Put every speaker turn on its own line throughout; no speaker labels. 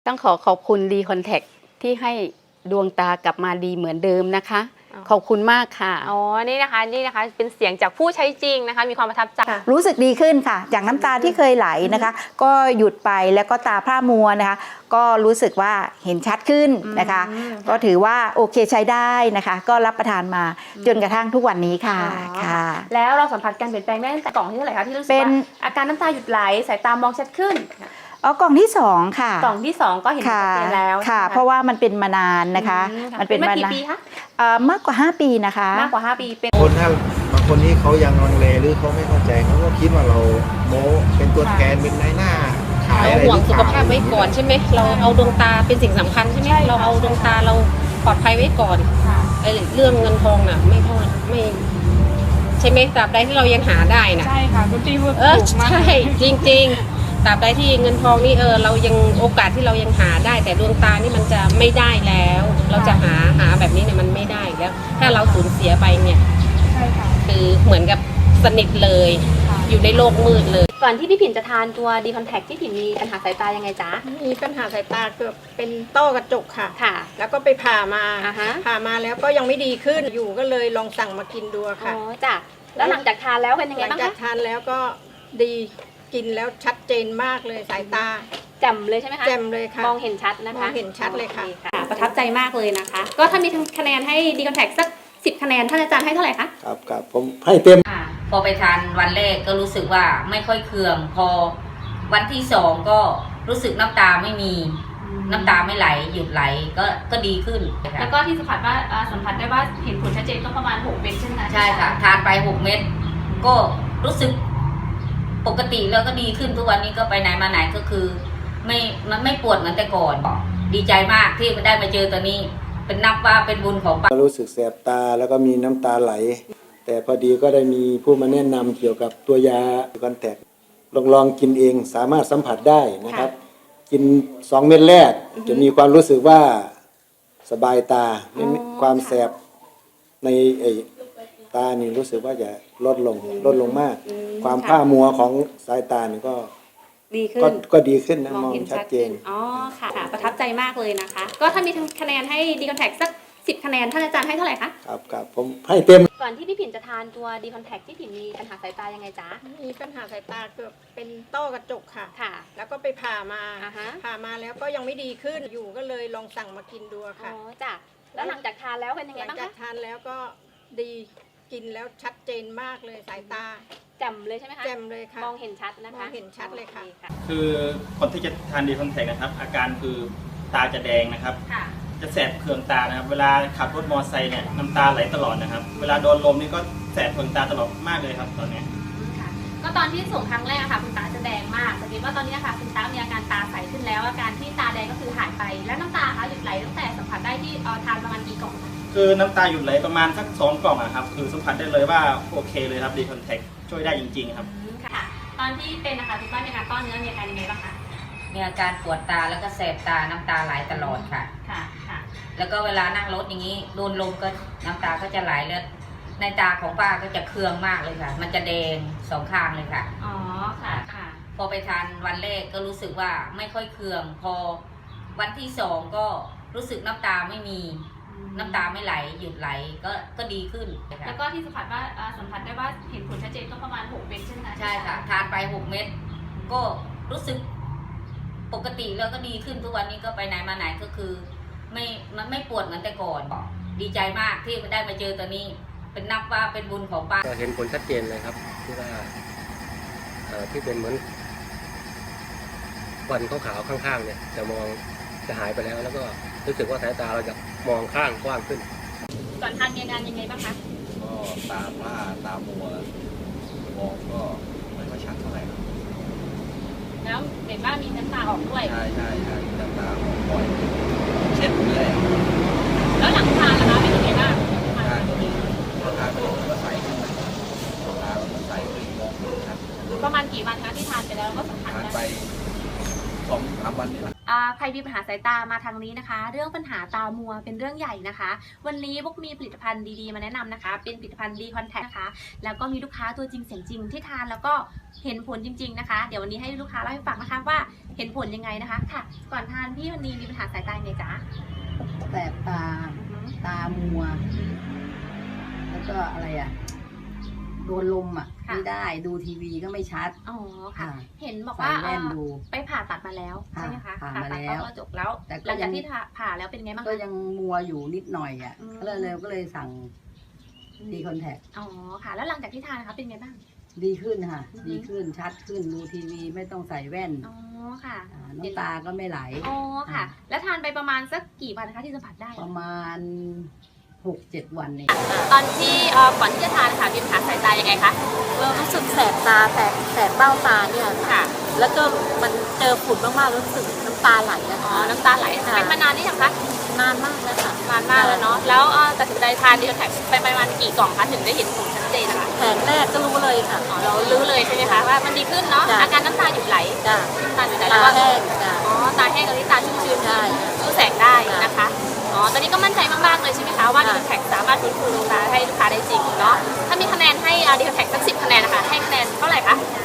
ต้องขอบคุณดีคอนแทคที่ให้ดวงตากลับมาดีเหมือนเดิมนะคะ ขอบคุณมากค่ะ
อ๋อนี่นะคะเป็นเสียงจากผู้ใช้จริงนะคะมีความประทับใจ
รู้สึกดีขึ้นค่ะจากน้ำตาที่เคยไหลนะคะ ก็หยุดไปแล้วก็ตาพร่ามัวนะคะ ก็รู้สึกว่าเห็นชัดขึ้นนะคะ ก็ถือว่าโอเคใช้ได้นะคะ ก็รับประทานมาจนกระทั่งทุกวันนี้ค่ะค่ะ
แล้วเราสัมผัสการเปลี่ยนแปลงได้ตั้งแต่กล่องที่เท่าไหร่คะที่รู้สึกว่าอาการน้ำตาหยุดไหลสายตามองชัดขึ้น
กล่องที่2ค่ะ
กล่องที่2ก็เห็นชัดเจนแล้ว
ค่ะเพราะว่ามันเป็นมานานนะคะ
มันเป็นมากี่ปีคะ
มากกว่า5 ปีนะคะ
มากกว่า5 ปีเป็น
คนถ้าบางคนที่เขายังลังเลหรือเขาไม่เข้าใจเขาก็คิดว่าเราโม้เป็นตัวแทนเป็นนายหน้าขายอะไร
ห่วงสุขภาพไว้ก่อนใช่ไหมเราเอาดวงตาเป็นสิ่งสำคัญใช่ไหมเราเอาดวงตาเราปลอดภัยไว้ก่อนไอ้เรื่องเงินทองน่ะไม่ใช่ไหมตราบใดที่เรายังหาได้นะ
ใช่ค่ะคุณจีว่า
ใช่จริงๆตราบใดที่เงินทองนี่เรายังโอกาสที่เรายังหาได้แต่ดวงตานี่มันจะไม่ได้แล้ว เราจะหาแบบนี้เนี่ยมันไม่ได้แล้วถ้าเราสูญเสียไปเนี่ยคือเหมือนกับสนิทเลยอยู่ในโลกมืดเลย
ก่อนที่พี่ผินจะทานตัวดีคอนแทคที่ผินมีปัญหาสายตายังไงจ๊ะ
มีปัญหาสายตาเกือบเป็นต้อกระจกค่ะแล้วก็ไปผ่ามาแล้วก็ยังไม่ดีขึ้นอยู่ก็เลยลองสั่งมากินดูค่ะ
อ๋อจ้ะแล้วหลังจากทานแล้วเป็นยังไงบ้างคะ
หลังจากทานแล้วก็ดีกินแล้วชัดเจนมากเลยสายตา
แจ่มเลยใช่ไหมคะ
แจ่มเลยค่ะ
มองเห็นชัดนะคะ
มองเห็นชัดเลยค่ะ
ประทับใจมากเลยนะคะก็ถ้ามีคะแนนให้ดีคอนแทคสัก10 คะแนนท่านอาจารย์ให้เท่าไหร่คะ
ครับผมให้เต็ม
พอไปทานวันแรกก็รู้สึกว่าไม่ค่อยเคืองพอวันที่2ก็รู้สึกน้ำตาไม่มีน้ำตาไม่ไหลหยุดไหลก็ดีขึ้น
แล้วก็ที่สัมผัสได้ว่าเห็นผลชัดเจนก็ประมาณ6 เม็ดใช่ไหมคะ
ใช่ค่ะทานไป6 เม็ดก็รู้สึกปกติแล้วก็ดีขึ้นทุกวันนี้ก็ไปไหนมาไหนก็คือมันไม่ปวดเหมือนแต่ก่อนดีใจมากที่ได้มาเจอตัวนี้เป็นนับว่าเป็นบุญของป้า
รู้สึกแสบตาแล้วก็มีน้ำตาไหลแต่พอดีก็ได้มีผู้มาแนะนำเกี่ยวกับตัวยาคอนแทคลองกินเองสามารถสัมผัสได้นะครับกิน2 เม็ดแรกจะมีความรู้สึกว่าสบายตาความแสบในตานี่รู้สึกว่าจะลดลงมากความผ้ามัวของสายตานี่ก็
ดีขึ้น
ก็ดีขึ้นนะมองชัดเจน
อ๋อค่ะประทับใจมากเลยนะคะก็ถ้ามีคะแนนให้ดีคอนแทคสัก10 คะแนนท่านอาจารย์ให้เท่าไหร่คะ
ครับผมให้เต็ม
ก่อนที่พี่ผินจะทานตัวดีคอนแทคที่ผินมีปัญหาสายตายังไงจ๊ะ
มีปัญหาสายตาเกือบเป็นต้อกระจกค่ะแล้วก็ไปผ่ามาแล้วก็ยังไม่ดีขึ้นอยู่ก็เลยลองสั่งมากินดูค่ะ
อ๋อจ้ะแล้วหลังจากทานแล้วเป็นยังไงบ้างคะ
หลังจากทานแล้วก็ดีกินแล้วชัดเจนมากเลยสายตา
แจ่มเลยใช่ไหมคะ
แจ่มเลยค่ะ
มองเห็นชัดนะคะ
มองเห็นชัดเลยค่ะ
คือคนที่จะทานดีคอนแทคนะครับอาการคือตาจะแดงนะครับจะแสบเคืองตานะครับเวลาขับรถมอเตอร์ไซค์เนี่ยน้ำตาไหลตลอดนะครับเวลาโดนลมนี่ก็แสบเคืองตาตลอดมากเลยครับตอนนี้
ก็ตอนที่ส่งครั้งแรกค่ะคุณตาจะแดงมากแต่คิดว่าตอนนี้ค่ะคุณตามีอาการตาใสขึ้นแล้วอาการที่ตาแดงก็คือหายไปแล้วน้ำตาคะหยุดไหลตั้งแต่สัมผัสได้ที่ทานประมาณกี่กล่อง
คือน้ำตาหยุดไหลประมาณสัก2 กล่องอะครับคือสัมผัสได้เลยว่าโอเคเลยครับดีคอนแทคช่วยได้จริงๆครับ
ค่ะตอนที่เป็นนะคะคุณป้ามีอาการก้อนเนื้อมีอาการยังไงบ้างคะ
มีอาการปวดตาแล้วก็แสบตาน้ำตาไหลตลอดค่ะแล้วก็เวลานั่งรถอย่างนี้โดนลมก็น้ำตาก็จะไหลแล้วในตาของป้าก็จะเคืองมากเลยค่ะมันจะแดง2 ข้างเลยค่ะ
อ๋อค่ะ
พอไปทานวันแรกก็รู้สึกว่าไม่ค่อยเคืองพอวันที่2ก็รู้สึกน้ำตาไม่มีน้ำตาไม่ไหลหยุดไหลก็ดีขึ้น
แล้วก็ที่สัมผัสได้ว่าเห็นผลชัดเจนก็ประมาณ6 เม็ดใช่ไหมคะ
ใช่ค่ะทานไป6 เม็ดก็รู้สึกปกติแล้วก็ดีขึ้นทุกวันนี้ก็ไปไหนมาไหนก็คือมันไม่ปวดเหมือนแต่ก่อนดีใจมากที่ได้มาเจอตัวนี้เป็นนับว่าเป็นบุญของป้า
ก็เห็นผลชัดเจนเลยครับที่ว่าที่เป็นเหมือนควันขาวๆข้างๆเนี่ยจะหายไปแล้วแล้วก็รู้สึกว่าสายตาเราจะมองข้างกว้างขึ้น
ก่อนทานมีอาการยังไงบ้างคะ
ก็ตาผ้าตามัวมองก็ไม่ค่อยชัดเท่าไหร่
แล้วเห็นว่ามีน้ำตาออกด้วย
ใช่น้ำตาออกบ่อยเช็ดเลย
แล้วหลังทานล่ะคะเป็นยังไงบ้าง
ทานก็ดีทานไปแล้วก็ใสขึ้นตาก็ใสขึ้นมองชัด
ประมาณกี่วันคะที่ทานไปแล้วก็สัมผัส
ทานไป2-3 วันนี่แหละ
รมีปัญหาสายตามาทางนี้นะคะ เรื่องปัญหาตามัวเป็นเรื่องใหญ่นะคะ วันนี้พวกมีผลิตภัณฑ์ดีๆมาแนะนำนะคะเป็นผลิตภัณฑ์ดีคอนแทคนะคะแล้วก็มีลูกค้าตัวจริงเสียงจริงที่ทานแล้วก็เห็นผลจริงๆนะคะเดี๋ยววันนี้ให้ลูกค้าเล่าให้ฟังนะคะว่าเห็นผลยังไงนะคะค่ะก่อนทานพี่วันนี้มีปัญหาสายตาไงจ๊ะ
แสบตา ตามัว แล้วก็อะไรอ่ะ โดนลมอ่ะ
ค่ะ
ไม่ได้ดูทีวีก็ไม่ชัด
อ๋อค่ะ
ค่ะ
เห็นบอกว่า
ใส่แว่นดู
ไปผ่าตัดมาแล้วใช่ไหมคะ
ผ่ามา
ตัด
แล้ว
ก็จบแล้ว
แต่ก็
หลังจาก
ยัง
ที่ผ่าแล้วเป็นไงบ้าง
ก็
คะ
ยังมัวอยู่นิดหน่อยอ่ะ
อืม
ก็เลยสั่งดีคอนแทค
อ๋อค่ะ แล้วหลังจากที่ทานนะคะเป็นไงบ้าง
ดีขึ้นค่ะ
อือฮึ
ดีขึ้นชัดขึ้นดูทีวีไม่ต้องใส่แว่น
อ๋อค่ะ
น้ำตาก็ไม่ไหล
อ๋อค่ะ แล้วทานไปประมาณสักกี่วันนะคะที่สัมผัสได้
ประมาณ 6-7 วันนี่
ตอนที่ก่อนที่จะทานค่ะมีปัญหาสายตายังไงคะ
รู้สึกแสบตาแสบเบ้าตาเนี่ย
ค่ะ
แล้วก็มันเจอฝุ่นมากๆรู้สึกน้ำตาไหลนะ
อ๋อ
คะ
น้ำตาไหล
ค่ะ
เป็นมานานนี่ยังคะ
นานมากแล้วค่ะ
นานมากแล้วเนาะแล้วตัดสินใจทานดีคอนแทคไปประมาณกี่กล่องคะถึงได้เห็นผลชัดเจนนะคะ
แผงแรกก็รู้เลยค่ะ
อ๋อเรารู้เลยใช่ไหมคะว่ามันดีขึ้นเนาะ
จ้ะ
อาการน้ำตาหยุดไหล
จ้ะ
น้ำตาหยุดไหล
ตา
แล้วก็
แห้งจ้ะ
อ๋อตาแห้งกับที่ตาชุ่มชื้น
ใช่
สู้แสงได้นะคะอ๋อตอนนี้ก็มั่นใจมากๆเลยใช่ไหมคะว่าดีคอนแทคสามารถฟื้นฟูดวงตาให้ลูกค้าได้จริงเนาะถ้ามีคะแนนให้ดีคอนแทคสัก10 คะแนนนะคะให้คะแนนเท่าไหร่คะ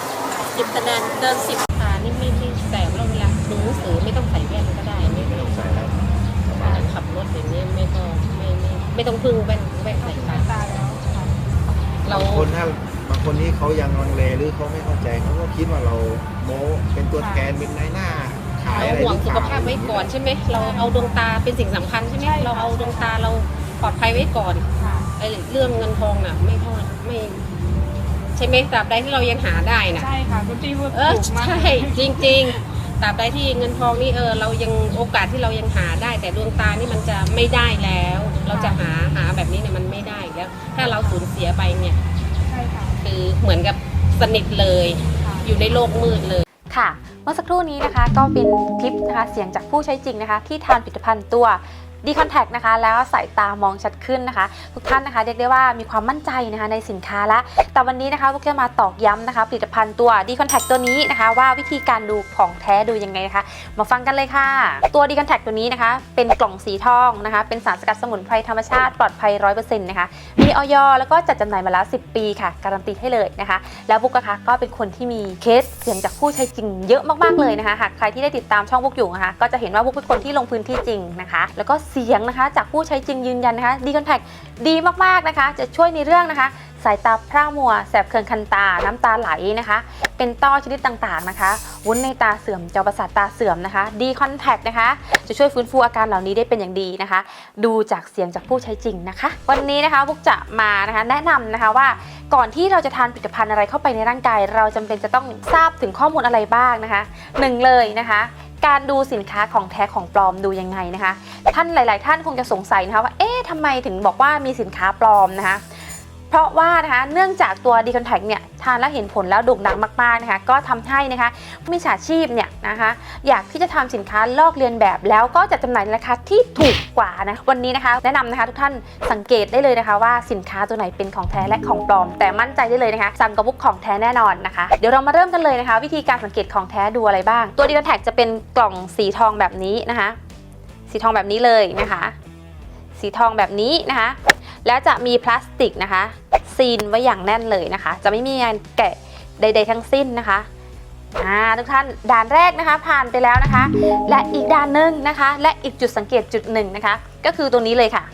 10 คะแนนเกิน 10
ตานี่ไม่แสบแล้วเวลาดูหนังสือไม่ต้องใส่แว่นก็ได้ไม่ต้องใส่แล้วขับรถอย่างนี้ไม่ต้องพึ่งแว่นใส่ตาเรา
บางคนที่เขายังลังเลหรือเขาไม่เข้าใจเขาก็คิดว่าเราโม้เป็นตัวแทนเป็นนายหน้าขายอะไร
ห่วง
หรือ
สุ
เป
ข
ล่า
ภาพไว้ก่อนใช่ไหมเราเอาดวงตาเป็นสิ่งสำคัญใช่ไหมเราเอาดวงตาเราปลอดภัยไว้ก่อนไอ้เรื่องเงินทองน่ะไม่เท่าไม่ใช่ไหมตราบใดที่เรายังหาได้น่ะ
ใช่ค่ะคุณพี่พูด
ใช่จริงๆตราบใดที่เงินทองนี่เรายังโอกาสที่เรายังหาได้ แต่ดวงตานี่มันจะไม่ได้แล้ว เราจะหาแบบนี้เนี่ยมันไม่ได้แล้ว ถ้าเราสูญเสียไปเนี่ย
ใช่ค่ะ
คือเหมือนกับสนิทเลย อยู่ในโลกมืดเลย
ค่ะเมื่อสักครู่นี้นะคะก็เป็นคลิปนะคะเสียงจากผู้ใช้จริงนะคะที่ทานผลิตภัณฑ์ตัวดีคอนแทคนะคะแล้วสายตามองชัดขึ้นนะคะทุกท่านนะคะเรียกได้ว่ามีความมั่นใจนะคะในสินค้าละแต่วันนี้นะคะพวกจะมาตอกย้ำนะคะผลิตภัณฑ์ตัวดีคอนแทคตัวนี้นะคะว่าวิธีการดูของแท้ดูยังไงนะคะมาฟังกันเลยค่ะตัวดีคอนแทคตัวนี้นะคะเป็นกล่องสีทองนะคะเป็นสารสกัดสมุนไพรธรรมชาติปลอดภัย 100% นะคะมีอย.แล้วก็จัดจำหน่ายมาแล้ว10 ปีค่ะการันตีให้เลยนะคะแล้วบุ๊กนะคะก็เป็นคนที่มีเคสเสียงจากผู้ใช้จริงเยอะมากๆเลยนะคะหากใครที่ได้ติดตามช่องบุ๊กอยู่นะคะก็จะเห็นว่าบุ๊กเป็นคนที่ลงพื้นที่จริงนะคะแล้วก็เสียงนะคะจากผู้ใช้จริงยืนยันนะคะดีคอนแทคดีมากๆนะคะจะช่วยในเรื่องนะคะสายตาพร่ามัวแสบเคืองคันตาน้ำตาไหลนะคะเป็นต้อชนิดต่างๆนะคะวุ้นในตาเสื่อมจอประสาทตาเสื่อมนะคะดีคอนแทคนะคะจะช่วยฟื้นฟูอาการเหล่านี้ได้เป็นอย่างดีนะคะดูจากเสียงจากผู้ใช้จริงนะคะวันนี้นะคะบุ๊กจะมานะคะแนะนำนะคะว่าก่อนที่เราจะทานผลิตภัณฑ์อะไรเข้าไปในร่างกายเราจำเป็นจะต้องทราบถึงข้อมูลอะไรบ้างนะคะ1เลยนะคะการดูสินค้าของแท้ของปลอมดูยังไงนะคะท่านหลายๆท่านคงจะสงสัยนะคะว่าเอ๊ะทำไมถึงบอกว่ามีสินค้าปลอมนะคะเพราะว่านะคะเนื่องจากตัวดีคอนแทคเนี่ยทานแล้วเห็นผลแล้วโด่งดังมากๆนะคะก็ทำให้นะคะมิจฉาชีพเนี่ยนะคะอยากที่จะทำสินค้าลอกเลียนแบบแล้วก็จะจำหน่ายในราคาที่ถูกกว่านะวันนี้นะคะแนะนำนะคะทุกท่านสังเกตได้เลยนะคะว่าสินค้าตัวไหนเป็นของแท้และของปลอมแต่มั่นใจได้เลยนะคะสั่งกับบุ๊กของแท้แน่นอนนะคะเดี๋ยวเรามาเริ่มกันเลยนะคะวิธีการสังเกตของแท้ดูอะไรบ้างตัวดีคอนแทคจะเป็นกล่องสีทองแบบนี้นะคะสีทองแบบนี้เลยนะคะสีทองแบบนี้นะคะแล้วจะมีพลาสติกนะคะซีนไว้อย่างแน่นเลยนะคะจะไม่มีงานแกะใดๆทั้งสิ้นนะคะทุกท่านด่านแรกนะคะผ่านไปแล้วนะคะและอีกด่านหนึ่งนะคะและอีกจุดสังเกตจุดหนึ่งนะคะก็คือตัวนี้เลยค่ะ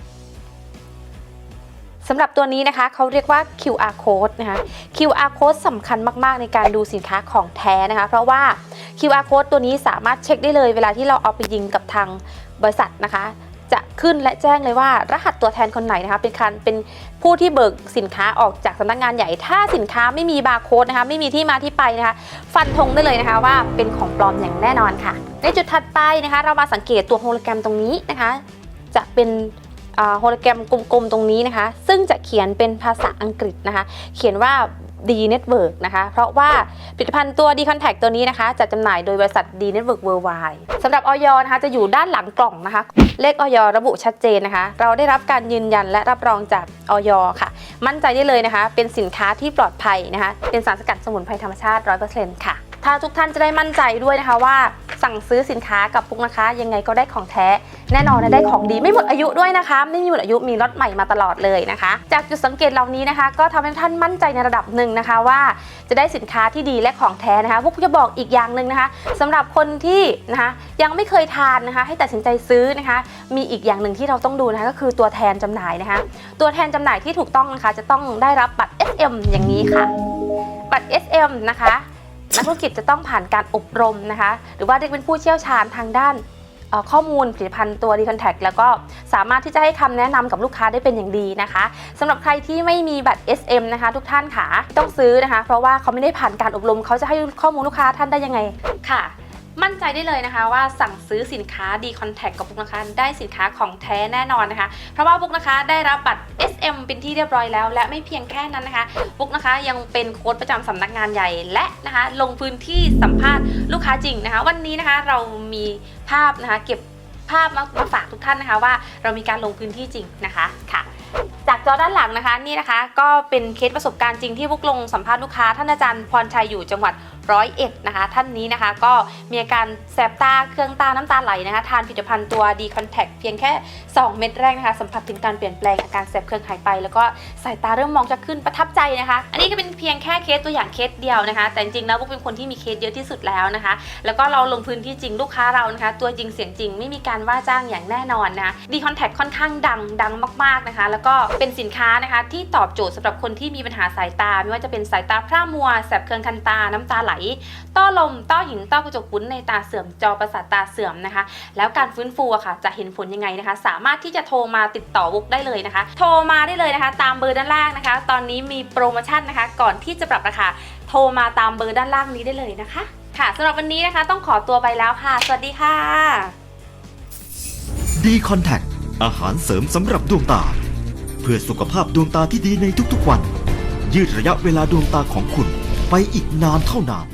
สำหรับตัวนี้นะคะเขาเรียกว่า QR code นะคะ QR code สำคัญมากๆในการดูสินค้าของแท้นะคะเพราะว่า QR code ตัวนี้สามารถเช็คได้เลยเวลาที่เราเอาไปยิงกับทางบริษัทนะคะจะขึ้นและแจ้งเลยว่ารหัสตัวแทนคนไหนนะคะเป็นผู้ที่เบิกสินค้าออกจากสำนักงานใหญ่ถ้าสินค้าไม่มีบาร์โค้ดนะคะไม่มีที่มาที่ไปนะคะฟันธงได้เลยนะคะว่าเป็นของปลอมอย่างแน่นอนค่ะในจุดถัดไปนะคะเรามาสังเกตตัวโฮโลแกรมตรงนี้นะคะจะเป็นโฮโลแกรมกลมๆตรงนี้นะคะซึ่งจะเขียนเป็นภาษาอังกฤษนะคะเขียนว่าD Network นะคะเพราะว่าผลิตภัณฑ์ตัว D Contact ตัวนี้นะคะจะจำหน่ายโดยบริษัท D Network Worldwide สำหรับอย.นะคะจะอยู่ด้านหลังกล่องนะคะเลขอย.ระบุชัดเจนนะคะเราได้รับการยืนยันและรับรองจากอย.ค่ะมั่นใจได้เลยนะคะเป็นสินค้าที่ปลอดภัยนะคะเป็นสารสกัดสมุนไพรธรรมชาติ 100% ค่ะทถ้าทุกท่านจะได้มั่นใจด้วยนะคะว่าสั่งซื้อสินค้ากับปุ๊กนะคะยังไงก็ได้ของแท้แน่นอนนะได้ของดีไม่หมดอายุด้วยนะคะไม่มีหมดอายุมีล็อตใหม่มาตลอดเลยนะคะจากจุดสังเกตเหล่านี้นะคะก็ทำให้ท่านมั่นใจในระดับหนึ่งนะคะว่าจะได้สินค้าที่ดีและของแท้นะคะปุ๊กจะบอกอีกอย่างหนึ่งนะคะสำหรับคนที่นะคะยังไม่เคยทานนะคะให้ตัดสินใจซื้อนะคะมีอีกอย่างหนึ่งที่เราต้องดูนะคะก็คือตัวแทนจำหน่ายนะคะตัวแทนจำหน่ายที่ถูกต้องนะคะจะต้องได้รับบัตร SM อย่างนี้ค่ะบัตร SM นะคะนักธุรกิจจะต้องผ่านการอบรมนะคะหรือว่าเรียกเป็นผู้เชี่ยวชาญทางด้านข้อมูลผลิตภัณฑ์ตัว D-Contact แล้วก็สามารถที่จะให้คำแนะนำกับลูกค้าได้เป็นอย่างดีนะคะสำหรับใครที่ไม่มีบัตร SM นะคะทุกท่านค่ะต้องซื้อนะคะเพราะว่าเขาไม่ได้ผ่านการอบรมเขาจะให้ข้อมูลลูกค้าท่านได้ยังไงค่ะมั่นใจได้เลยนะคะว่าสั่งซื้อสินค้า D-Contact กับปุ๊กนะคะได้สินค้าของแท้แน่นอนนะคะเพราะว่าปุ๊กนะคะได้รับบัตร SM เป็นที่เรียบร้อยแล้วและไม่เพียงแค่นั้นนะคะปุ๊กนะคะยังเป็นโค้ชประจำสำนักงานใหญ่และนะคะลงพื้นที่สัมภาษณ์ลูกค้าจริงนะคะวันนี้นะคะเรามีภาพนะคะเก็บภาพมาฝากทุกท่านนะคะว่าเรามีการลงพื้นที่จริงนะคะค่ะจากจอด้านหลังนะคะนี่นะคะก็เป็นเคสประสบการณ์จริงที่ปุ๊กลงสัมภาษณ์ลูกค้าท่านอาจารย์พรชัยอยู่จังหวัด101นะคะท่านนี้นะคะก็มีอาการแสบตาเคืองตาน้ำตาไหลนะคะทานผลิตภัณฑ์ตัว D-Contact เพียงแค่2 เม็ดแรกนะคะสัมผัสถึงการเปลี่ยนแปลงอาการแสบเคืองหายไปแล้วก็สายตาเริ่มมองชัดขึ้นประทับใจนะคะอันนี้ก็เป็นเพียงแค่เคสตัวอย่างเคสเดียวนะคะแต่จริงๆแล้วพวกเป็นคนที่มีเคสเยอะที่สุดแล้วนะคะแล้วก็เราลงพื้นที่จริงลูกค้าเรานะคะตัวจริงเสียงจริงไม่มีการว่าจ้างอย่างแน่นอนนะ D-Contact ค่อนข้างดังมากๆนะคะแล้วก็เป็นสินค้านะคะที่ตอบโจทย์สำหรับคนที่มีปัญหาสายตาไม่ว่าจะเป็นสายตาพร่ามัวแสบเคืองคันตาน้ำตาไหลต้อลมต้อหินต้อกระจกวุ้นในตาเสื่อมจอประสาทตาเสื่อมนะคะแล้วการฟื้นฟูอะค่ะจะเห็นผลยังไงนะคะสามารถที่จะโทรมาติดต่อบุ๊กได้เลยนะคะโทรมาได้เลยนะคะตามเบอร์ด้านล่างนะคะตอนนี้มีโปรโมชั่นนะคะก่อนที่จะปรับราคาโทรมาตามเบอร์ด้านล่างนี้ได้เลยนะคะค่ะสำหรับวันนี้นะคะต้องขอตัวไปแล้วค่ะสวัสดีค่ะ
D-Contact อาหารเสริมสำหรับดวงตาเพื่อสุขภาพดวงตาที่ดีในทุกๆวันยืดระยะเวลาดวงตาของคุณไปอีกนานเท่านาน